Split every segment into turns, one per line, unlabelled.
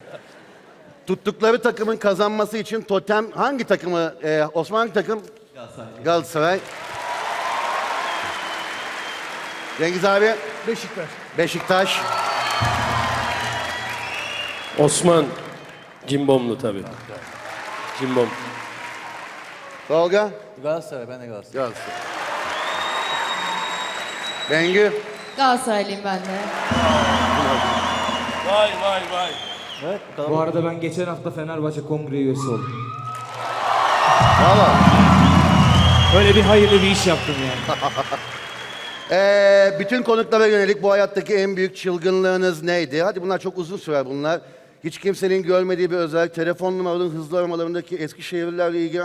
Tuttukları takımın kazanması için totem hangi takımı? Osman hangi takım?
Galatasaray.
Galatasaray. Cengiz abi?
Beşiktaş.
Beşiktaş.
Osman Cimbomlu tabii. Cimbom.
Tolga?
Galatasaray, ben de Galatasaray.
Galatasaray. Bengü?
Galatasaraylıyım ben de.
Vay vay vay.
Evet,
Bu arada ben geçen hafta Fenerbahçe Kongre üyesi oldum.
Valla.
Öyle bir hayırlı bir iş yaptım yani.
Bütün konuklara yönelik bu hayattaki en büyük çılgınlığınız neydi? Hadi bunlar çok uzun sürer bunlar. Hiç kimsenin görmediği bir özellik. Telefon numaralarının hızlı aramalarındaki Eskişehirlilerle ilgili...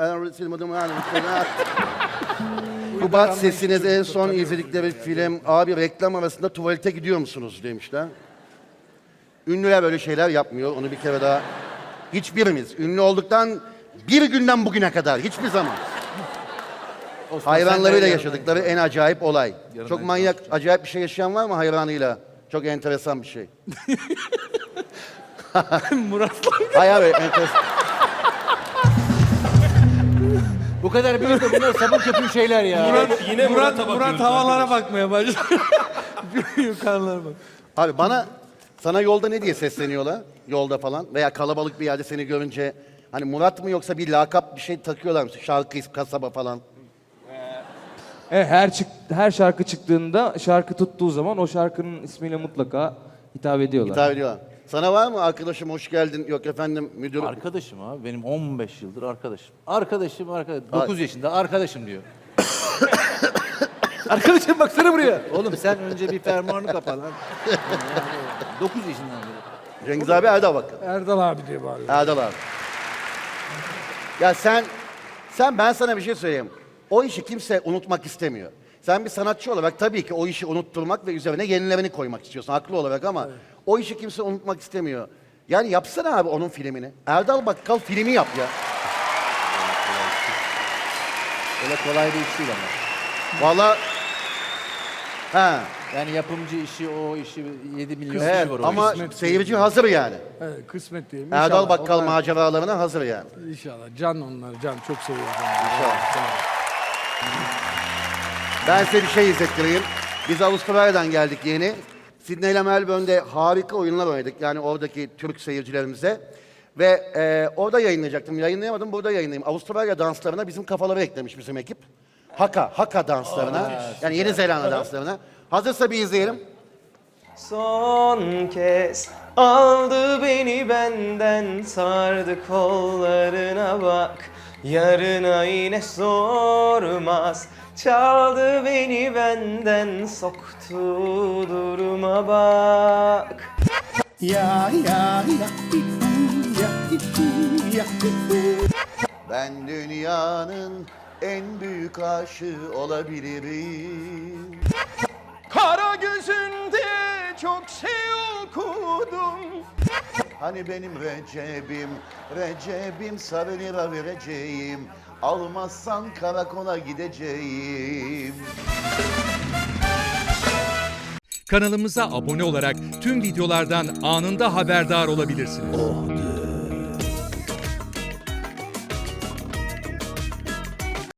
Kubat sesiniz en son izledikleri film. Abi reklam arasında tuvalete gidiyor musunuz demişler. Ünlüler böyle şeyler yapmıyor. Onu bir kere daha... Hiçbirimiz ünlü olduktan bir günden bugüne kadar hiçbir zaman. Hayvanlarıyla yaşadıkları en acayip olay. Çok manyak, acayip bir şey yaşayan var mı hayvanıyla? Çok enteresan bir şey.
Murat.
Hayır abi, enteresan.
Bu kadar büyük de bunlar sabun köpüğü şeyler ya.
Murat havalara bakmaya başladı. Yukarılara bak.
Abi sana yolda ne diye sesleniyorlar? Yolda falan veya kalabalık bir yerde seni görünce hani Murat mı yoksa bir lakap bir şey takıyorlar mı? Şarkı, kasaba falan.
Evet, her şarkı çıktığında, şarkı tuttuğu zaman o şarkının ismiyle mutlaka hitap ediyorlar.
Hitap ediyorlar. Sana var mı arkadaşım hoş geldin? Yok efendim müdür.
Arkadaşım abi, benim 15 yıldır arkadaşım. Arkadaşım. 9 yaşında arkadaşım diyor. Arkadaşım baksana buraya. Oğlum sen önce bir fermuarını kapa lan. 9 yaşından beri.
Cengiz abi Erdal bakalım.
Erdal abi diye bağırıyor.
Erdal abi. Ya sen ben sana bir şey söyleyeyim. O işi kimse unutmak istemiyor. Sen bir sanatçı olarak tabii ki o işi unutturmak ve üzerine yenilerini koymak istiyorsun haklı olarak ama o işi kimse unutmak istemiyor. Yani yapsana abi onun filmini. Erdal Bakkal filmi yap ya.
Öyle kolay bir iş değil ama.
Vallahi ha.
Yani yapımcı işi, o işi 7 milyon
Evet,
kişi var o
ama
işin.
seyirci hazır yani.
Evet, kısmet diyelim.
Erdal
İnşallah
Bakkal
onlar-
maceralarına hazır yani.
İnşallah. Can onlar. Can çok seviyorum.
Ben size bir şey izlettireyim. Biz Avustralya'dan geldik yeni. Sydney ile Melbourne'de harika oyunlar oynadık. Yani oradaki Türk seyircilerimize. Ve orada yayınlayacaktım. Yayınlayamadım, burada yayınlayayım. Avustralya danslarına bizim kafaları eklemiş bizim ekip. Haka danslarına. Yani Yeni Zelanda danslarına. Hazırsa bir izleyelim.
Son kez aldı beni benden, sardı kollarına bak. Yarına yine sormaz, çaldı beni benden, soktu duruma bak.
Ben dünyanın en büyük aşığı olabilirim.
Kara gözünde çok şey okudum.
Hani benim Recep'im sarı lira vereceğim. Almazsan karakola gideceğim.
Kanalımıza abone olarak tüm videolardan anında haberdar olabilirsiniz.